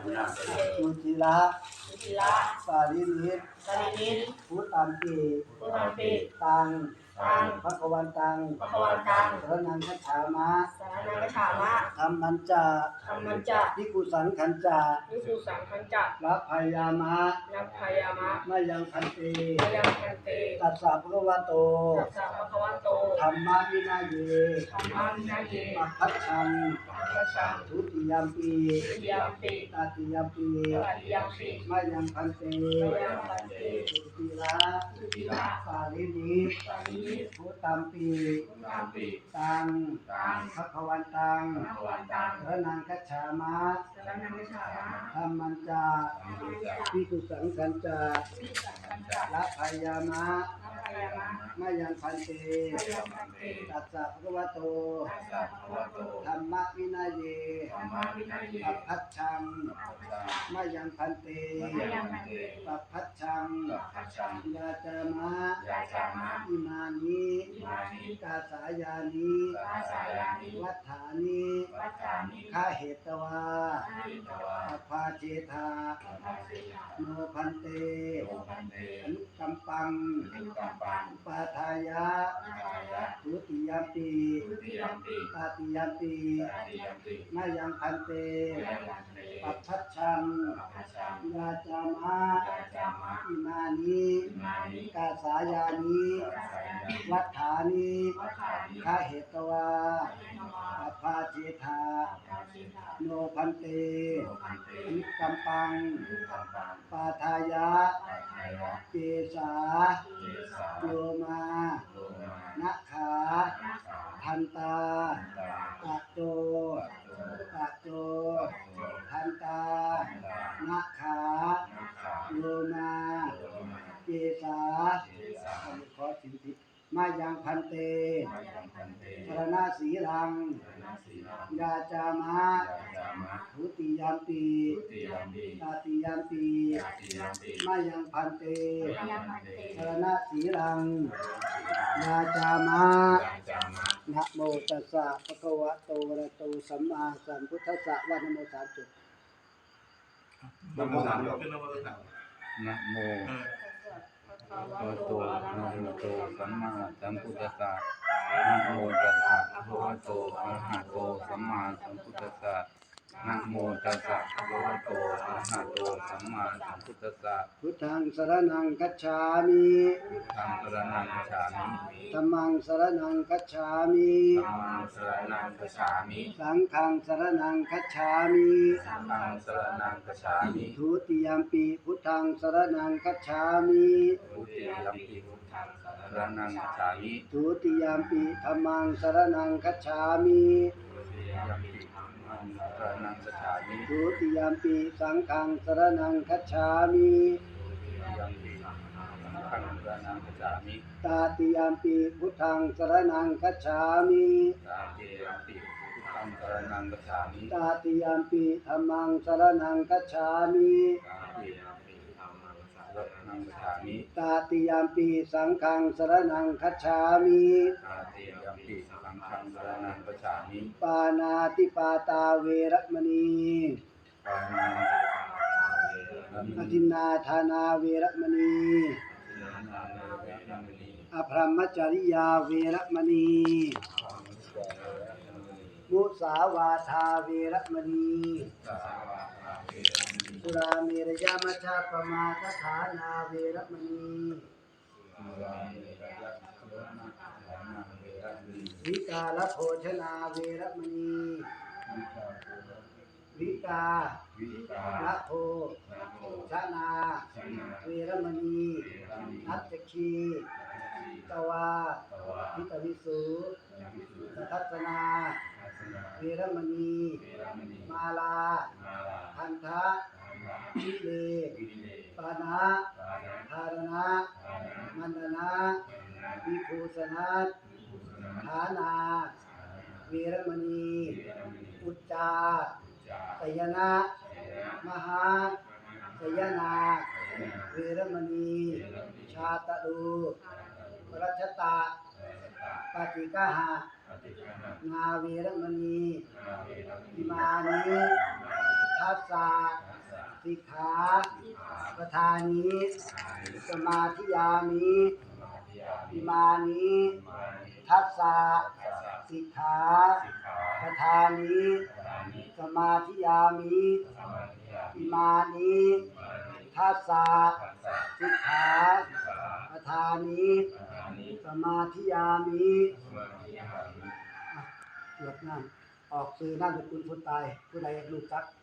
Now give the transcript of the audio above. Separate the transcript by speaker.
Speaker 1: สุจิระสาลินิสพุทธัมปิตังภควตังสรณังคัจฉามะธัมมัญจะภิกขุสังฆัญจะรัพพายามะมะยังพันเตตัสสะภะคะวะโตธัมมาวินัยเยปัพพัชชังทุติยัมปิตติยัมปิมะยังพันเตสุติระสาลินิพุทธัมปิตังภควตังสรณังคัจฉามะธัมมัญจะภิกขุสังฆัญจะรัพพายามะมะยังพันเตตัสสะภะคะวะโตธัมมวินัยเยปัพพัชชังมะยังพันเตปัพพัชชังยาจามะอิมานิกาสายานิวัฏฐานิฆาเหตวาปภาเจธาโนพันเตอนุกัมปังปาทายะทุติยัมปิตติยัมปิมะยังพันเตปัพพัชชังยาจามะอิมานิกาสายานิวัฏฐานิฆาเหตวาปภาเจธาโนพันเตอนุกัมปังปาทายะเกสาโยมานะขาทันตาตะโจทันตานะขาโยมาเกสาขอสิทธิมายังพันเตสรณะสีรังยาจามะทุติยัมปิตติยัมปิมายังพันเตสรณะสีรังยาจามะนะโมตัสสะภะคะวะโตอะระหะโตสัมมาสัมพุทธัสสะวะนะโมสามจบ
Speaker 2: นะโมสามจบนะโมโตอะระหะโตสัมมาสัมพุทธัสสะนะโมตัสสะภะคะวะโตอะระหะโตสัมมาสัมพุทธัสสะนะโมตัสสะภะคะวะโตอะระหะโตสัมมาสัมพุทธัสสะ
Speaker 1: พุทธังสรณังคัจฉามิ
Speaker 2: พุทธังสรณังคัจฉามิ
Speaker 1: ธัมมังสรณังคัจฉามิ
Speaker 2: ธัมมังสรณังคัจฉามิ
Speaker 1: สังฆังสรณังคัจฉามิ
Speaker 2: สังฆังสรณังคัจฉามิ
Speaker 1: ทุติยัมปิพุทธังสรณังคัจฉามิ
Speaker 2: ทุติยัมปิพุทธังสรณังคัจฉามิ
Speaker 1: ทุติยัมปิธัมมังสรณังคัจฉามิ
Speaker 2: ทุติยัมปิธัมมังสรณังคัจฉามิ
Speaker 1: ทุติยัมปิสังฆังสรณังคัจฉามิ
Speaker 2: ยัมปิสังฆังสรณังคัจฉามิ
Speaker 1: ตติยัมปิพุทธังสรณังคัจฉามิ
Speaker 2: ตติยัมปิพุทธังสรณังคัจฉามิ
Speaker 1: ตติยัมปิธัมมังสรณังคัจฉามิ
Speaker 2: ตติยัมปิธัมมังสรณังคัจฉามิ
Speaker 1: ตติยัมปิสังฆังสรณังคัจฉามิ
Speaker 2: ตติยัมปิสังฆังสรณังคัจฉามิ
Speaker 1: ปานาติปาตาเวรมณี
Speaker 2: ปานา
Speaker 1: อทินนาทานาเวรมณีอภรรมจริยาเวรมณีมุสาวาทาเวรมณีสุราเมรยมัชฌปมาทฐานาเวรมณีวิกาลโภชนาเวรมณีวิกาละโภชนาเวรมณีนัตถีตวาทิตวิสุทัศนาเวรมณีมาลาพันธะวิเลปานะธารณะมันนะวิภูสนัสฐานาเวรมณีอุจจาสยนะมหาสยนาเวรมณีชาตดูรัชตาปฏิกหะนาเวรมณีอิมานิทัสสะสิกขาปทานิสมาธิยามิอิมานิทัสสะสิกขาปทานิสมาธิยามิอิมานิทัสสะสิกขาปทานิสมาธิยามิหยดน้ำออกสื่อน้ำสกุลผู้ตายผู้ใดอยากรู้จัก